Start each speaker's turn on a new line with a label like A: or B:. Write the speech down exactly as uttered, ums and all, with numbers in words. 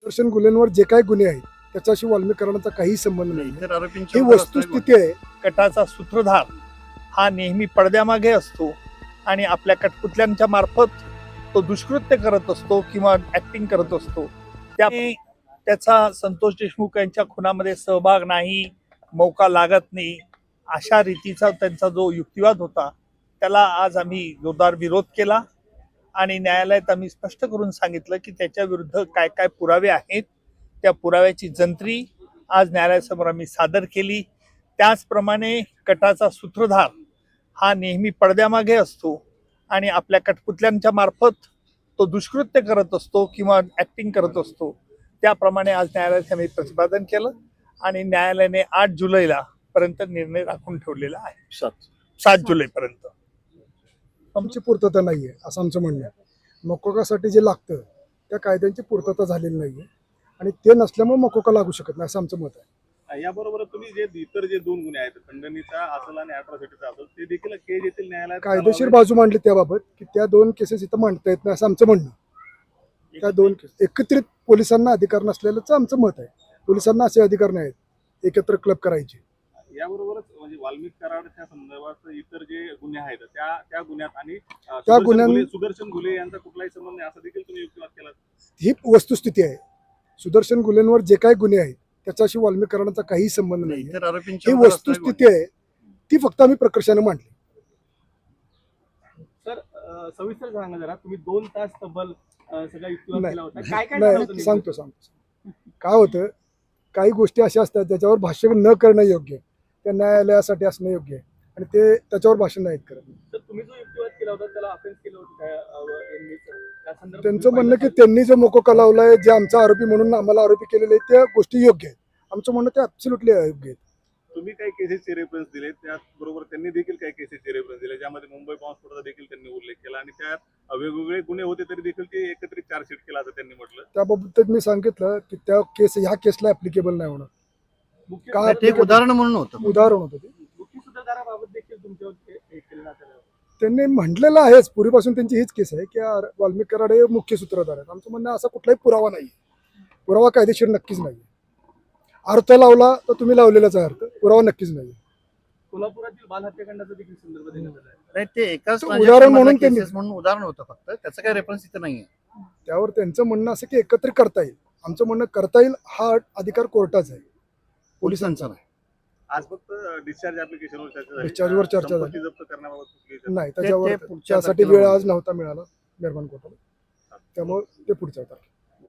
A: सुदर्शन गुन्ह्यांवर जे काही गुन्हे आहेत त्याच्याशी वाल्मीकरणाचा काही संबंध नाही.
B: इतर आरोपींची
A: ही वस्तुस्थिती आहे.
C: कटाचा सूत्रधार हा नेहमी पडद्यामागे असतो आणि आपल्या कठपुतल्यांच्या मार्फत तो दुष्कृत्य करत असतो किंवा ऍक्टिंग करत असतो. त्या त्याचा संतोष देशमुख यांच्या खुनामध्ये सहभाग नाही, मौका लागत नाही, अशा रीतीचा त्यांचा जो युक्तिवाद होता त्याला आज आम्ही जोरदार विरोध केला आणि न्यायालयात आम्ही स्पष्ट करून सांगितलं की त्याच्या विरुद्ध काय काय पुरावे आहेत, त्या पुराव्याची जंत्री आज न्यायालयासमोर आम्ही सादर केली. त्याचप्रमाणे कटाचा सूत्रधार हा नेहमी पडद्यामागे असतो आणि आपल्या कठपुतल्यांच्या मार्फत तो दुष्कृत्य करत असतो किंवा ऍक्टिंग करत असतो. त्याप्रमाणे आज न्यायालयात आम्ही प्रतिपादन केलं आणि न्यायालयाने आठ जुलैला पर्यंत निर्णय राखून ठेवलेला आहे.
B: सात
C: सात जुलैपर्यंत
A: आमची पूर्तता नाहीये असं आमचं म्हणणं आहे. मकोकासाठी जे लागतं त्या कायद्यांची पूर्तता झालेली नाहीये आणि ते नसल्यामुळे मकोका लागू शकत नाही असं आमचं मत आहे.
D: याबरोबर तुम्ही जे इतर जे दोन गुन्हे आहेत खंडणीचा असेल आणि अॅट्रॉसिटीचा असेल ते देखील केज येथील न्यायालयात
A: कायदेशीर बाजू मांडली त्याबाबत की त्या दोन केसेस इथं मांडता येत नाही असं आमचं म्हणणं. त्या दोन केस एकत्रित पोलिसांना अधिकार नसलेलंच आमचं मत आहे. पोलिसांना असे अधिकार नाहीत एकत्र क्लब करायचे.
D: याबरोबरच म्हणजे वाल्मिक कराडच्या संदर्भात इतर जे गुन्हे आहेत त्या त्या गुन्ह्यात आणि अं,
A: त्या
D: सुदर्शन
A: गुन्ह्यां-
D: घुले- सुदर्शन घुले यांचा कुठलाही संबंध नाही असं देखील तुम्ही युक्तिवाद केला.
A: ही वस्तुस्थिती आहे. सुदर्शन गुन्ह्यांवर जे काही गुन्हे आहेत त्याच्याशी वाल्मीकरणाचा काही संबंध नाही.
B: इतर आरोपींची
A: ही वस्तुस्थिती आहे ती फक्त आम्ही प्रकर्षाने मांडली.
E: सर अ, सविस्तर सांगा जरा, तुम्ही दोन तास तब्बल अ, सगळा युक्तिवाद केला होता, काय काय झालं होतं
A: नाही
E: नेमकं?
A: सांगतो सांगतो काय होतं, काही गोष्टी अशा असतात ज्याच्यावर भाष्य न करणं योग्य आहे. त्या न्यायालयासाठी असणं योग्य आहे आणि ते त्याच्यावर भाषण नाहीत करत.
E: तर तुम्ही जो युक्तिवाद केला होता त्याला अफेन्स केलं होतं काय, अ, यांनी, त्या संदर्भात
A: त्यांचं
E: तुम्ही
A: म्हणणं की
E: पाहिलं
A: त्यांनी जो मोकोका लावलाय जे आमचा आरोपी म्हणून आम्हाला आरोपी केलेले आहेत त्या गोष्टी योग्य आहेत. आमचं म्हणणं ते ॲब्सोल्युटली अयोग्य आहेत.
D: तुम्ही काही केसेसचे रेफरन्स दिले त्याचबरोबर त्यांनी देखील काही केसेसचे रेफरन्स दिले ज्यामध्ये मुंबई बॉम्बस्फोटाचा देखील त्यांनी उल्लेख केला आणि त्यात वेगवेगळे गुन्हे होते तरी देखील ते एकत्रित चार्जशीट केला असं त्यांनी म्हटलं.
A: त्याबाबत मी सांगितलं की त्या केस ह्या केसला ऍप्लिकेबल नाही होणार.
E: मुख्य
A: का-
B: ते एक उदाहरण म्हणून होतं.
A: उदाहरण होतं ते.
E: मुख्य सूत्रधाराबाबत देखील तुमच्यावर हे- हे केलं जातं.
A: त्यांनी म्हटलेलं आहेच पूर्वीपासून त्यांची हीच केस आहे की आर- वाल्मिक कराड हे मुख्य सूत्रधार आहेत. आमचं म्हणणं असा कुठलाही पुरावा नाही. पुरावा कायदेशीर नक्कीच नाही. अर्थ लावला तर तुम्ही लावलेलाच आहे अर्थ, पुरावा नक्कीच नाही.
E: कोल्हापुरातील बाल हत्याकांडाचा देखील संदर्भ देण्यात आला आहे.
B: नाही ते एकाच
A: तो
B: transaction
A: उदाहरण म्हणून
B: मधलं
A: त्यांनी-
B: cases म्हणून उदाहरण होतं फक्त, त्याचं काही रेफरन्स इथं नाहीये.
A: त्यावर त्यांचं म्हणणं असं की एकत्र करता येईल. आमचं म्हणणं करता येईल हा अधिकार कोर्टाचा आहे,
B: पोलिसांचा नाही.
D: आज फक्त डिस्चार्ज ऍप्लिकेशनवर चर्चा झाली.
A: डिस्चार्जवर चर्चा झाली.
D: संपत्ती जप्त करण्याबाबत कुठलीही चर्चा
A: नाही त्याच्यावर
B: ते पुढच्या
A: त्यासाठी
B: तारखेला
A: वेळ
B: होईल.
A: आज नव्हता मिळाला निर्माण कोर्टाला, त्यामुळे ते पुढच्या तारखेला.